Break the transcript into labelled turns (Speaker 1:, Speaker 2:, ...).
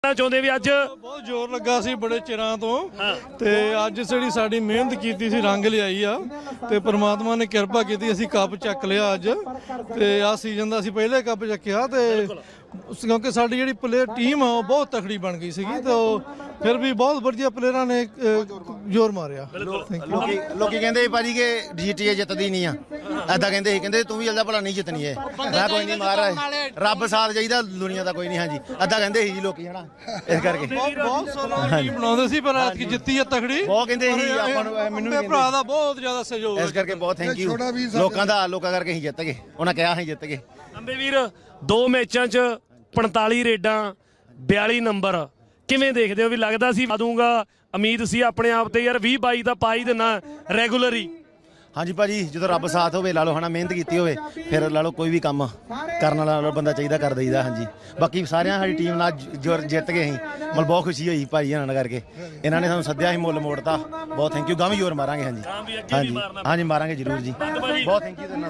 Speaker 1: ਚਾਹੁੰਦੇ ਵੀ ਅੱਜ
Speaker 2: ਬਹੁਤ ਜ਼ੋਰ ਲੱਗਾ ਸੀ ਬੜੇ ਚਿਰਾਂ ਤੋਂ ਤੇ ਅੱਜ ਜਿਹੜੀ ਸਾਡੀ ਮਿਹਨਤ ਕੀਤੀ ਸੀ ਰੰਗ ਲਿਆਈ ਆ ਤੇ ਪ੍ਰਮਾਤਮਾ ਨੇ ਕਿਰਪਾ ਕੀਤੀ, ਅਸੀਂ ਕੱਪ ਚੱਕ ਲਿਆ ਅੱਜ। ਤੇ ਆ ਸੀਜ਼ਨ ਦਾ ਅਸੀਂ ਪਹਿਲੇ ਕੱਪ ਚੱਕਿਆ ਤੇ ਕਿਉਂਕਿ ਸਾਡੀ ਜਿਹੜੀ ਪਲੇਅਰ ਟੀਮ ਆ ਉਹ ਬਹੁਤ ਤਕੜੀ ਬਣ ਗਈ ਸੀਗੀ ਤੇ ਫਿਰ ਵੀ ਬਹੁਤ ਵਧੀਆ ਪਲੇਅਰਾਂ ਨੇ ਜ਼ੋਰ ਮਾਰਿਆ।
Speaker 3: ਲੋਕੀ ਕਹਿੰਦੇ ਭਾਜੀ ਕਿ GTA ਜਿੱਤਦੀ ਨਹੀਂ ਆ, ਐਦਾਂ ਕਹਿੰਦੇ ਸੀ, ਕਹਿੰਦੇ ਤੂੰ ਵੀ ਜਲਦਾ ਭਲਾ ਨਹੀਂ ਜਿੱਤਣੀ ਹੈ। ਮੈਂ ਕੋਈ ਨਹੀਂ ਮਾਰ ਰੱਬ ਸਾਥ ਚਾਹੀਦਾ, ਦੁਨੀਆ ਦਾ ਕੋਈ ਨਹੀਂ। ਹਾਂਜੀ ਐਦਾਂ ਕਹਿੰਦੇ ਸੀ ਜੀ ਲੋਕੀ, ਹਨਾ, ਇਸ ਕਰਕੇ
Speaker 2: ਬਹੁਤ ਸੋਹਣਾ ਟੀਮ ਬਣਾਉਂਦੇ ਸੀ, ਪਰ ਐਤਕੀ ਜਿੱਤੀ ਆ ਤਕੜੀ।
Speaker 3: ਬਹੁਤ ਕਹਿੰਦੇ ਸੀ ਆਪਾਂ ਨੂੰ, ਮੈਨੂੰ
Speaker 2: ਮੇਰੇ ਭਰਾ ਦਾ ਬਹੁਤ ਜ਼ਿਆਦਾ ਸਹਿਯੋਗ
Speaker 3: ਇਸ ਕਰਕੇ ਬਹੁਤ ਥੈਂਕ ਯੂ ਲੋਕਾਂ ਕਰਕੇ ਅਸੀਂ ਜਿੱਤ ਗਏ, ਉਹਨਾਂ ਕਿਹਾ ਅਸੀਂ ਜਿੱਤ ਗਏ।
Speaker 1: ਅੰਬੇ ਵੀਰ 2 ਮੈਚਾਂ 'ਚ 45 ਰੇਡਾਂ 42 ਨੰਬਰ, ਕਿਵੇਂ ਦੇਖਦੇ ਹੋ? ਵੀ ਲੱਗਦਾ ਸੀ ਪਾ ਦੂੰਗਾ, ਉਮੀਦ ਸੀ ਆਪਣੇ ਆਪ ਤੇ ਯਾਰ 20-22 ਦਾ ਪਾ ਹੀ ਦੇਣਾ ਰੈਗੂਲਰ ਹੀ।
Speaker 3: ਹਾਂਜੀ ਭਾਜੀ, ਜਦੋਂ ਰੱਬ ਸਾਥ ਹੋਵੇ, ਲਾ ਲਓ, ਹਨਾ, ਮਿਹਨਤ ਕੀਤੀ ਹੋਵੇ, ਫਿਰ ਲਾ ਲਓ ਕੋਈ ਵੀ ਕੰਮ ਕਰਨ ਵਾਲਾ ਬੰਦਾ ਚਾਹੀਦਾ, ਕਰ ਦਈਦਾ। ਹਾਂਜੀ, ਬਾਕੀ ਸਾਰਿਆਂ ਸਾਡੀ ਟੀਮ ਨਾਲ ਜਿੱਤ ਗਏ ਅਸੀਂ, ਮਤਲਬ ਬਹੁਤ ਖੁਸ਼ੀ ਹੋਈ ਭਾਜੀ ਇਹਨਾਂ ਕਰਕੇ। ਇਹਨਾਂ ਨੇ ਸਾਨੂੰ ਸੱਦਿਆ ਸੀ, ਮੁੱਲ ਮੋੜਤਾ, ਬਹੁਤ ਥੈਂਕ ਯੂ। ਗਾਂ ਵੀ ਜ਼ੋਰ ਮਾਰਾਂਗੇ। ਹਾਂਜੀ ਹਾਂਜੀ ਮਾਰਾਂਗੇ ਜ਼ਰੂਰ ਜੀ, ਬਹੁਤ ਥੈਂਕ ਯੂ।